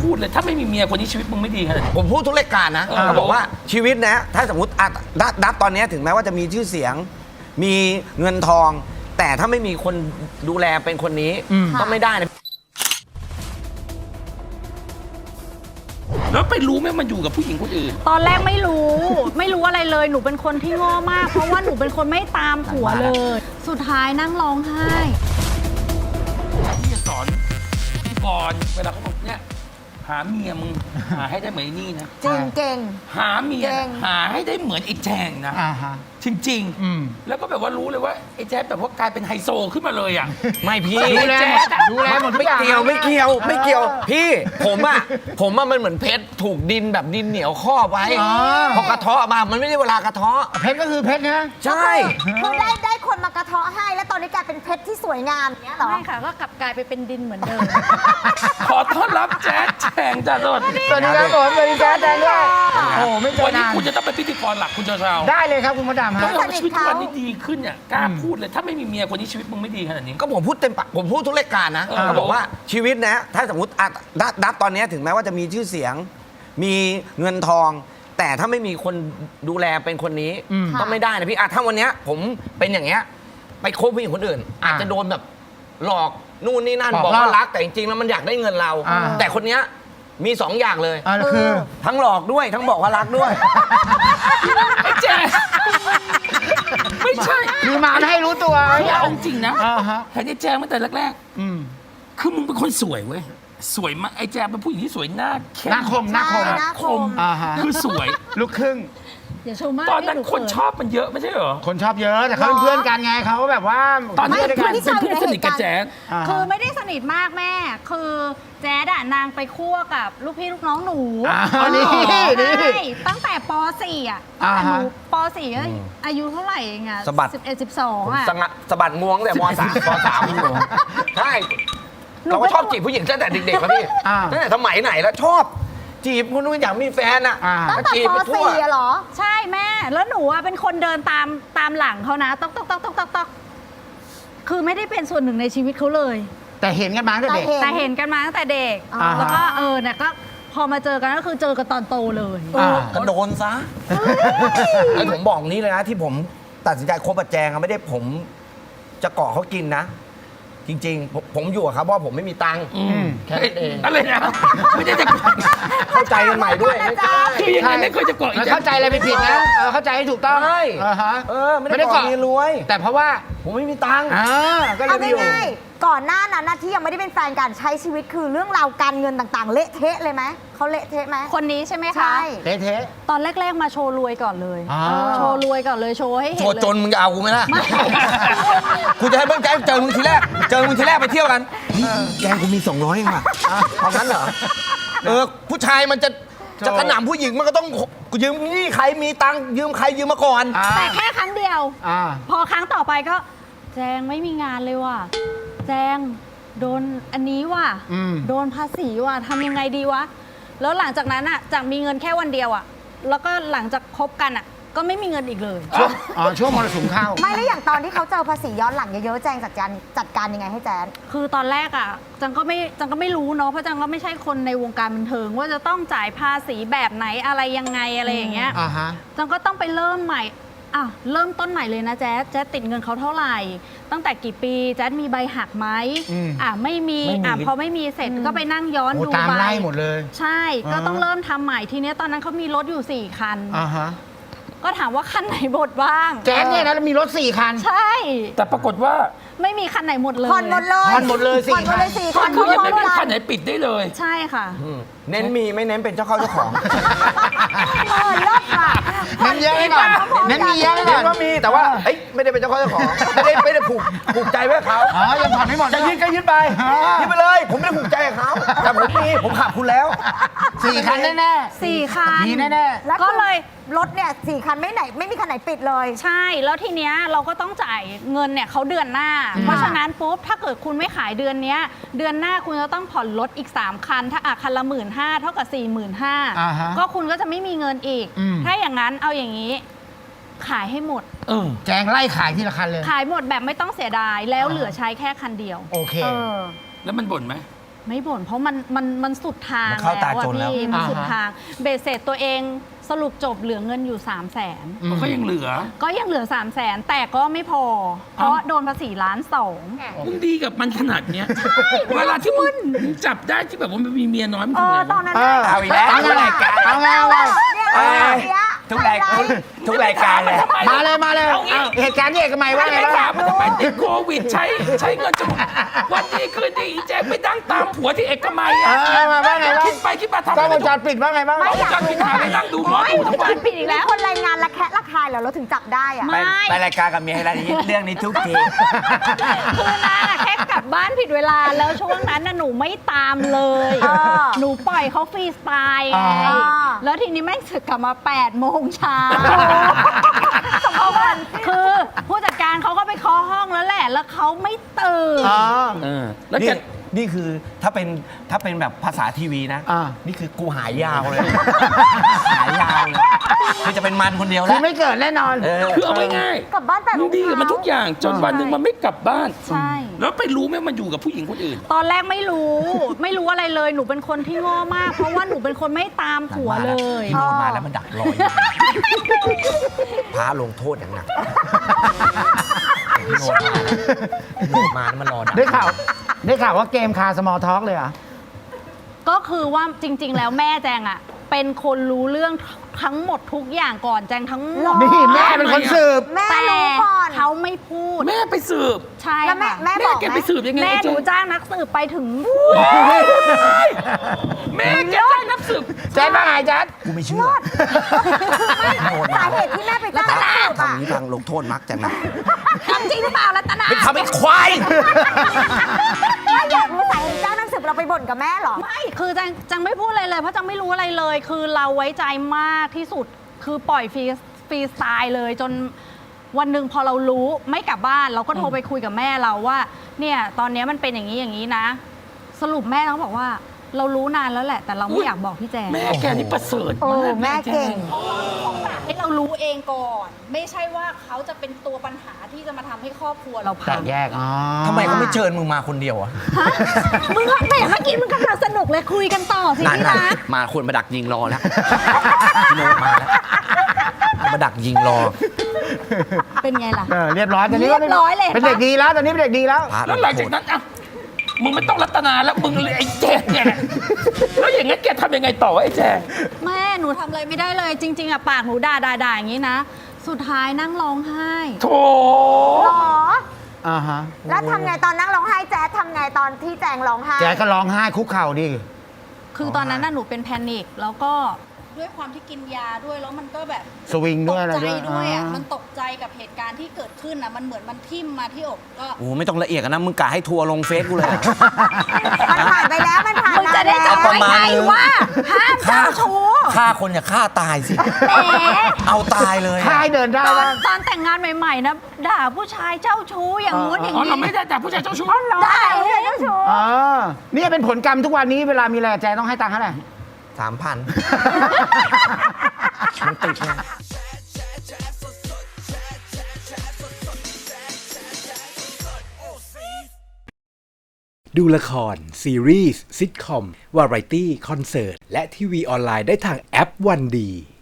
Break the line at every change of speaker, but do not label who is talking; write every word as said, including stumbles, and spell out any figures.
พูดเลยถ้าไม่มีเมียคนนี้ชีวิตมึงไม่ดีขนาดนี้
ผมพูดทุกรายการนะเขาบอกว่าชีวิตนะถ้าสมมติอ่ะดับดับตอนนี้ถึงแม้ว่าจะมีชื่อเสียง มีเงินทอง แต่ถ้าไม่มีคนดูแลเป็นคนนี้ก็ไม่ได้นะ
แล้วไปรู้ไหมมันอยู่กับผู้หญิงคนอื่น
ตอนแรกไม่รู้ ไม่รู้อะไรเลยหนูเป็นคนที่โง่มาก เพราะว่าหนูเป็นคนไม่ตามผัวเลย สุดท้ายนั่งร้องไห้
ที่จะสอนพี่บอลเวลาเขาบอกเนี่ยหาเมียมึงหาให้ได้เหมือนไอ้นี่นะ
จริงเก่ง
หาเมียหาให้ได้เหมือนไอ้แจงนะจริงๆแล้วก็แบบว่ารู้เลยว่าไอ้แจ๊ดแบบว่ากลายเป็นไฮโซขึ้นมาเลยอ่ะ
ไม่พี่
ดูแล
ดูแลหมดไม่เกี่ยวไม่เกี่ยวไม่เกี่ยวพี่ผมอ่ะผมอ่ะมันเหมือนเพชรถูกดินแบบดินเหนียวครอบไว้พอกระเทาะมามันไม่ได้เวลากระเทาะ
เพชรก็คือเพชรนะ
ใช่
คือได้ได้คนมากระเทาะให้แล้วตอนนี้กลายเป็นเพชรที่สวยงามเนี้ยหรอ
ไม่ค่ะก็กลับกลายไปเป็นดินเหมือนเดิม
ขอต้อนรับแจ๊ดแจงจ้าสวัสดี
สวัสดีครับผมสวัสดีแจ๊ดแจงด้วยโอ้ไม่เจอ
วันนี้
นาน
คุณจะต้องเป็นพิธีกรหลักคุณเจ้าชาว
ได้เลยครับคุณมดดำฮะ
ต้องชีวิตทุกวันนี้ดีขึ้นเนี่ยกล้าพูดเลยถ้าไม่มีเมียคนนี้ชีวิตมึงไม่ดีขนาดนี้
ก็ผมพูดเต็มปากผมพูดทุกรายการนะเขาบอกว่าชีวิตนะถ้าสมมติอ่ะดับดับตอนนี้ถึงแม้ว่าจะมีชื่อเสียง มีเงินทอง แต่ถ้าไม่มีคนดูแลเป็นคนนี้ก็ไม่ได้นะพี่อ่ะถ้าวันนี้ผมเป็นอย่างเงี้ยไปคบผู้หญิงคนอื่น อาจจะโดนแบบหลอกนู่นนี่นั่นบอกว่ารักแต่จริงๆแล้วมันอยากได้เงินเรา แต่คนเนี้ยมีสองอย่างเลย
คือ
ทั้งหลอกด้วยทั้งบอกว่ารักด้วย
ไอ้แจ๊ไม่ใช่
คือมาให้รู้ตัว
เอาจริงนะเห็นไอ้แจ๊ตั้งแต่แรกๆคือมึงเป็นคนสวยเว้ยสวยมากไอ้แจ๊เป็นผู้หญิงที่สวยหน้าเข้ม
หน้าคมหน้าคม
หน้าคม
คือสวย
ลูกครึ่ง
อย่าชมมาก
ตอนนั้นคนชอบมันเยอะไม่ใช่เหรอ
คนชอบเยอะแต่เขาเป็นเพื่อนกันไงเขาแบบว่า
ตอนนี้เป็นเพื่อนเป็นเพื่อนสนิทกับแจ๊ด
คือไม่ได้สนิทมากแม่คือแจ๊ดอะนางไปคั่วกับลูกพี่ลูกน้องหนู
อ๋อนี่
ใช่ตั้งแต่ป .สี่ อ่ะตั้งแต่หนูป .สี่ อายุเท่าไหร่เองอะ
สะบัด
สิบเอ็ด สิบสองอ่ะ
สะบัดงวงแต่ม .สาม ม .สาม ใช่เราก็ชอบจีบผู้หญิงตั้งแต่เด็กๆครับพี่ตั้งแต่สมัยไหนแล้วชอบจีบคนนู้นอยากมีแฟนอ่ะ
ตั้งแต่ป .สี่ เหรอ
ใช่แม่แล้วหนูอะเป็นคนเดินตามตามหลังเขานะต๊อกต๊อกต๊อกต๊อกต๊อกต๊อกคือไม่ได้เป็นส่วนหนึ่งในชีวิตเขาเลย
แต่เห็นกันมาตั้งแต่เด็ก
แต่เห็นกันมาตั้งแต่เด็กแล้วก็เออเนี่ยก็พอมาเจอกันก็คือเจอกันตอนโตเลย
ก็โดนซะไอ้ผมบอกนี้เลยนะที่ผมตัดสินใจคบกับแจงไม่ได้ผมจะเกาะเขากินนะจริงๆผมอยู่กับเขาเพราะผมไม่มีตังค์แค่นั้นเอง
อะไรนะไม่ได้จะ
เข้าใจกันใหม่ด้วย
คือยังไงไม่เคยจะเกาะอีก
เข้าใจอะไรไปผิดนะเข้าใจให้ถูกต้อง
ใช่เออไม่ได้เกาะมีรวย
แต่เพราะว่า
ผมไม่มีตังค์
ก็เลยง่ายๆก่อนหน้านั้นที่ยังไม่ได้เป็นแฟนกันใช้ชีวิตคือเรื่องราวการเงินต่างๆเละเทะเลยไหมเขาเละเทะไหม
คนนี้ใช่ไหมคะ
ใช่
เละเทะ
ตอนแรกๆมาโชว์รวยก่อนเลยโชว์รวยก่อนเลยโชว์ให้เห็นโชว์
จนมึงจะเอากูไหมล่ะกูจะให้เพื่อนแกเจอมึงทีแรกเจอมึงทีแรกไปเที่ยวกันแกกูมีสองร้อยเองว่ะตอนนั้นเหรอเออผู้ชายมันจะจะกระหน่ำผู้หญิงมันก็ต้องยืมนี่ใครมีตังค์ยืมใครยืมมาก่อน
แต่แค่ครั้งเดียวพอครั้งต่อไปก็แจงไม่มีงานเลยว่ะแจงโดนอันนี้ว่ะโดนภาษีว่ะทำยังไงดีวะแล้วหลังจากนั้นอ่ะจากมีเงินแค่วันเดียวอ่ะแล้วก็หลังจากคบกันอ่ะก็ไม่มีเงินอีกเลย
ช่วงอ๋อช่วงมรสุมเข้า
ไม่แล้วอย่างตอนที่เขาเจอภาษีย้อนหลังเยอะๆแจงจัดการจัดการยังไงให้แจน
คือตอนแรกอ่ะจังก็ไม่จังก็ไม่รู้เนาะเพราะจังก็ไม่ใช่คนในวงการบันเทิงว่าจะต้องจ่ายภาษีแบบไหนอะไรยังไงอะไรอย่างเงี้ยจังก็ต้องไปเริ่มใหม่อ่ะเริ่มต้นใหม่เลยนะแจ๊ดแจ๊ดติดเงินเขาเท่าไหร่ตั้งแต่กี่ปีแจ๊ดมีใบหักไหมอ่ะไม่มีอ่ะพอไม่มีเสร็จก็ไปนั่งย้อนดู
ตามไล่หมดเลย
ใช่ก็ต้องเริ่มทำใหม่ทีนี้ตอนนั้นเขามีรถอยู่สี่คัน
อ่าฮะ
ก็ถามว่าคันไหนหมดบ้าง
แจ๊ดเนี่ยนะมีรถสี่คัน
ใช่
แต่ปรากฏว่า
ไม่มีคันไหนหมดเลย
ผ่อนหมดเลย
ผ่อนหมดเลยสี่คัน
คือยังไม่มีคันไหนปิดได้เลย
ใช่ค่ะ
เน้นมีไม่เน้นเป็นเจ้าเข้าเจ้าของ
เออเลิศค่ะ
เน้นเยอะก่อนเน้นมีเยอะก่อน
เน้นว่ามีแต่ว่าเอ้ยไม่ได้เป็นเจ้าเข้าเจ้าของไม่ได้ไม่ได้ผูกผูกใจไว้เขา
อ๋อยังผ่อนไม่หมด
จะยืดก็ยืดไปยืดไปเลยผมไม่ได้ผูกใจกับเขาแต่ผมมีผมขับคุณแล้ว
สี่คันแน่
ๆสี่คัน
มีแน่
ๆก็เลยรถเนี่ยสี่คันไม่ไหนไม่มีคันไหนปิดเลย
ใช่แล้วทีเนี้ยเราก็ต้องจ่ายเงินเนี่ยเขาเดือนหน้าเพราะฉะนั้นปุ๊บถ้าเกิดคุณไม่ขายเดือนนี้เดือนหน้าคุณจะต้องผ่อนรถอีกสามคันถ้าอ่ะคันละหมื่นห้าเท่ากับสี่หมื่นห้าก็คุณก็จะไม่มีเงินอีกถ้าอย่างนั้นเอาอย่างนี้ขายให้หมด
แจงไล่ขายทีละคันเลย
ขายหมดแบบไม่ต้องเสียดายแล้วเหลือใช้แค่คันเดียว
โอเค
แล้วมันบ่นไหม
ไม่บ่นเพราะมันมันมันสุดทาง
มันเข้าตา
แล้ว
จ
อะ
นแล้ว
พี่มัน
อ่าฮะ
สุดทางเบสเสร็จตัวเองสรุปจบเหลือเงินอยู่ สามแสน
ก็ยังเหลือ
ก็ยังเหลือ สามแสนแต่ก็ไม่พอ เพราะโดนภาษีล้านสอง
มึงดีกับมันขนาดเนี้ยเวลาที่มึงจับได้ที่แบบว่ามันมีเมียน้อยมัน
เอ
ทำ
อ
ไง
ตอน
วะ
นั้น
เออ
เอาอีกแล้ว
เอาไงเอาไงเอาไง
เอ้ยทุกรายทุกรายการเลย
มาเลยมาเลยเอาเหตุการณ์ที่เอกมัยว่าไง
ไม่
บ้า
ถาง มมันทำไมติดโควิดใช้ใช้เงินจนวันดีคืนดีอีแจ๊คไปนั่งตามผัวที่เอกมัย
เอ
อ่ะ
อมาว่าไงบ้าง
คิดไปคิดมาทำ
กล้อง
อะไร
วงจรปิดว่าไงบ้าง
กล้องวงจรปิดหาไปนั่งดูหมอดูทั้งวัน
ผิดอีก
แล้
แล้ว ว
คนรายงานระแคะระคายเหรอเราถึงจับได้อะ
ไม่
ไปไปรายการกับเมียอะไรนี้เรื่องนี้ทุกที
คือนางอะแค่กลับบ้านผิดเวลาแล้วช่วงนั้นน่ะหนูไม่ตามเลย
เออ
หนูปล่อยเขาฟรีสไตล์ไง
อ่า
แล้วทีนี้แม่งสึกกลับมา8ปดโมงเช้าเขาก็คือผู้จัดการเขาก็ไปเคาะห้องแล้วแหละ แล้วเขาไม่ตื่น
อ๋อ
เออแล้ว
นี่
แก
นี่คือถ้าเป็นถ้าเป็นแบบภาษาทีวีนะ
อ่า
นี่คือกูหายยาวเลย หายยาวเลยคือจะเป็นมันคนเดียว
คื
แล้
อ
ว
ไม่เกิดแน่นอน
เออ
คือเอาง่าย
กลับบ้านแปด
ๆ
โม
มึ
ง
งดีกับมันทุกอย่างจนวันหนึ่งมันไม่กลับบ้าน
ใช่
แล้วไปรู้ไหมมันอยู่กับผู้หญิงคนอื่น
ตอนแรกไม่รู้ ไม่รู้อะไรเลยหนูเป็นคนที่โง่มาก เพราะว่าหนูเป็นคนไม่ตามผัวเลย
พี่โนดมาแล้วมันดักรออยู่พาลงโทษอย่างหนักพี่โนดมาพี่โนดมาแล้วมันรอดัก
ได้ข่าวได้ข่าวว่าเกมคาสมอลท็อกเลยเหรอ
ก็คือว่าจริง ๆ แล้วแม่แจงอะเป็นคนรู้เรื่องทั้งหมดทุกอย่างก่อนแจงทั้งหมด
นี่แม่เป็นคนสืบ
แม่
แต่
รู้ก่อน
เขาไม่พูด
แม่ไปสืบ
ใช่
แล้วแม่
ค่ะ
แม่
แม่
บอก
แก
ไหม
ไปสืบยังไง
แม่
ไอ้
ห
เจ๊
นูจ้างนักสืบไปถึง
แม่แกจ้างนักสืบ
แจ๊ดว่าไงแจ๊ด
กูไม่เชื่อ
สาเหตุที่แม่ไปจ้างนักสืบ
คำ
อะ
นี้ทางลงโทษมักจะหนัก
ทำจริงหรือเปล่ารัตนา
เป็นคำเป็นควาย
ถ้าอยากรู้สาเหตุจ้างนักสืบเราไปบ่นกับแม่เหรอ
ไม่คือจังจังไม่พูดอะไรเลยเพราะจังไม่รู้อะไรเลย คือเราไว้ใจมากที่สุดคือปล่อยฟรีฟรีสไตล์เลยจนวันหนึ่งพอเรารู้ไม่กลับบ้านเราก็โทรไปคุยกับแม่เราว่า เนี่ยตอนนี้มันเป็นอย่างนี้อย่างนี้นะ สรุปแม่เขาบอกว่า เรารู้นานแล้วแหละ แต่เราไม่อยากบอกพี่แจง
แม่แกนี่ประเสริฐ
โอ้
มาก
แม่เก่ง
ให้เรารู้เองก่อน ไม่ใช่ว่าเขาจะเป็นตัวปัญหาที่จะมาทำให้ครอบครัวเรา
แต
พัง
กแยก อ๋อ
ทำไมเขาไม่เชิญมึงมาคนเดียวอะ
มึงอะแหมเมื่อกี้มึงกำลังสนุกเลยคุยกันต่อสิ
นั่น
ที่
น่ะ
รัก
มาคนมาดักยิงรอแล้ว พี่โนดมาแล้วมาดักยิงรอ
เป็นไงล่ะ
เออเรียบร้อยตอนนี้ก็
เรียบร้อยเลย
เป็นเด็กดีแล้วตอนนี้เป็นเด็กดีแล้ว
พระ
แล้วหลังจากนั้นอ่ะมึงไม่ต้องรัตนาแล้วมึงเลยไอ้แจ๊กเนี่ยแล้วอย่างงั้นแกทำยังไงต่อวะไอ้แจ๊ก
แม่หนูทำอะไรไม่ได้เลย จริง ๆอะปากหนูด่าด่าด่าอย่างนี้นะ สุดท้ายนั่งร้องไห้
โถ
หรอ
อ่าฮะ
แล้วทำไงตอนนั่งร้องไห้แจ๊ดทำไงตอนที่แจงร้องไห้
แจ๊ดก็ร้องไห้คุกเข่าดิ
คือตอนนั้นน่ะหนูเป็นแพนิคแล้วก็ด้วยความที่กินยาด้วยแล้วมันก็แบบ
สวิง
ต
ด้วย
ก
อะไร
ใจ
ด้วย
ด้วยอะ
อ่า
มันตกใจกับเหตุการณ์ที่เกิดขึ้นอะมันเหมือนมันทิ่มมาที่อกก็
โอ้ไม่ต้องละเอียดกันนะ มึงกะให้ทัวร์ลงเฟซกูเลยอะ
มันผ่านไปแล้วมันผ่าน
มึงจะได้
นาน
จำ
แล้ว
ไว้ไงว่าห้ามเจ้าชู้
ฆ่าคนอย่าฆ่าตายสิ
แหม
เอาตายเลย
ค่ายเดินได้
ตอน
บ้าง
ตอนแต่งงานใหม่ๆนะด่าผู้ชายเจ้าชู้อย่างงู้นอย่าง
อ๋อ
นี้
เราไม่ได้แต่ผู้ชายเจ้าชู้
ได้
ไม่ใช่เจ้าชู้
อ๋อนี่เป็นผลกรรมทุกวันนี้เวลามีอะไรแจ๊ดต้องให้ตังค์เท่าไหร่
สามพันมันติดไง
ดูละคร ซีรีส์ซิทคอม วาไรตี้ คอนเสิร์ต และทีวีออนไลน์ได้ทางแอปวันดี